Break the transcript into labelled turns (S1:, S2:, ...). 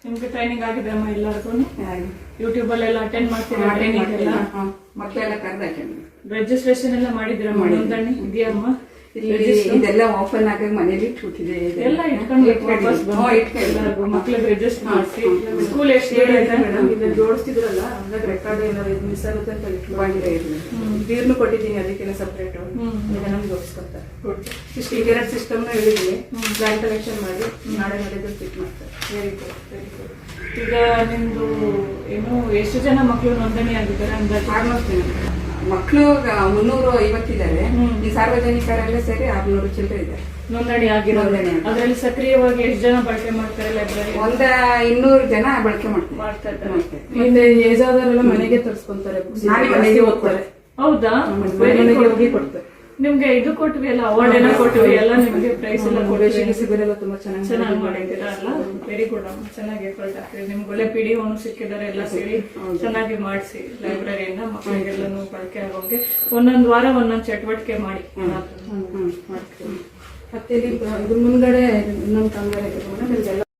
S1: ನಿಮ್ಗೆ ಟ್ರೈನಿಂಗ್ ಆಗಿದೆ ಅಮ್ಮ ಎಲ್ಲರಿಗೂ? ಯೂಟ್ಯೂಬ್ ಅಲ್ಲೆಲ್ಲ ಅಟೆಂಡ್ ಮಾಡ್ತೀರಾ? ಟ್ರೈನಿಂಗ್ ಎಲ್ಲ
S2: ಮಕ್ಕಳೆಲ್ಲ ಕರೆದು ಅಟೆಂಡ್
S1: ರಿಜಿಸ್ಟ್ರೇಷನ್ ಎಲ್ಲ ಮಾಡಿದಿರಮ್ಮ? ನೋಂದಣಿ ಇದೆಯಮ್ಮ?
S2: ಇದೆಲ್ಲ ಓಪನ್ ಆಗಿ ಮನೇಲಿ ಇಟ್ಬಿಟ್ಟಿದೆ.
S1: ಎಲ್ಲ ಇಟ್ಕೊಂಡು ಎಲ್ಲರಿಗೂ ಮಕ್ಳಿಗೆ ರಿಜಿಸ್ಟರ್ ಮಾಡಿಸಿ. ಸ್ಕೂಲ್ ಎಷ್ಟು ಇದನ್ನ ಜೋಡಿಸ್ತಿದ್ರಲ್ಲ, ಹಂಗಾಗಿ ರೆಕಾರ್ಡ್ ಏನಾದ್ರು ಮಿಸ್ ಆಗುತ್ತೆ ಅಂತ ನೀರ್ನು ಕೊಟ್ಟಿದ್ದೀನಿ, ಅದಕ್ಕೆ ಸಪ್ರೇಟ್ ಇದನ್ನ ಜೋಡಿಸ್ಕೊತಾರೆ. ಇಷ್ಟು ಈಗ 2 ಸಿಸ್ಟಮ್ನ ಹೇಳಿದ್ದೀನಿ, ಬ್ಯಾಂಕ್ ಕಲೆಕ್ಷನ್ ಮಾಡಿ ನಾಳೆ ಮಾಡಿದ್ರೆ ಫಿಟ್ ಮಾಡ್ತಾರೆ. Very good, very good. ಈಗ ನಿಮ್ದು ಏನು ಎಷ್ಟು ಜನ ಮಕ್ಕಳು ನೋಂದಣಿ ಆಗಿದ್ದಾರೆ ಅಂದಾಜು?
S2: ಆಲ್ಮೋಸ್ಟ್ ಮಕ್ಕಳು 350 ಇದ್ದಾರೆ. ಈ ಸಾರ್ವಜನಿಕರೆಲ್ಲ ಸೇರಿ 600 ಚಿಲ್ಲರೆ ಇದ್ದಾರೆ
S1: ನೋಂದಣಿ ಆಗಿರೋದು. ಅದರಲ್ಲಿ ಸಕ್ರಿಯವಾಗಿ ಎಷ್ಟು ಜನ ಬಳಕೆ ಮಾಡ್ತಾರೆ ಲೈಬ್ರರಿ?
S2: 200 ಜನ ಬಳಕೆ ಮಾಡ್ತಾರೆ.
S1: ಮತ್ತೆ ಏಜ್ ಆದವರೆಲ್ಲ ಮನೆಗೆ ತರಿಸ್ಕೊಂತಾರೆ,
S2: ಮನೆಗೆ ಓದ್ತಾರೆ.
S1: ಹೌದಾ?
S2: ಮನೆಗೆ ಹೋಗಿ ಕೊಡ್ತಾರೆ.
S1: ನಿಮ್ಗೆ ಇದು ಕೊಟ್ವಿ ಅಲ್ಲ, ಅವಾರ್ಡ್ ಎಲ್ಲ ಕೊಟ್ವಿ ಎಲ್ಲ, ನಿಮ್ಗೆ ಪ್ರೈಸ್ ಎಲ್ಲ ಕೊಟ್ವಿ.
S2: ಶಿಬಿರೆಲ್ಲ ತುಂಬಾ ಚೆನ್ನಾಗಿ
S1: ಮಾಡಿದ್ದೀರಾ ಅಲ್ಲ? ವೆರಿ ಗುಡ್ ಅಮ್ಮ, ಚೆನ್ನಾಗಿ ಎಫರ್ಟ್ ಹಾಕ್ತೀರಿ. ನಿಮ್ಗೆ ಒಳ್ಳೆ PDO ಸಿಕ್ಕಿದ್ದಾರೆ, ಎಲ್ಲ ಸೇರಿ ಚೆನ್ನಾಗಿ ಮಾಡಿಸಿ ಲೈಬ್ರರಿಯಿಂದ ಮಕ್ಕಳಿಗೆಲ್ಲೂ ಬಳಕೆ ಆಗೋಂಗೆ ಒಂದೊಂದು ವಾರ ಒಂದೊಂದು ಚಟುವಟಿಕೆ ಮಾಡಿ.
S2: ಮತ್ತೆ ಇಲ್ಲಿ ಮುಂದ್ಗಡೆ ಇನ್ನೊಂದು ಕಾಮಗಾರಿ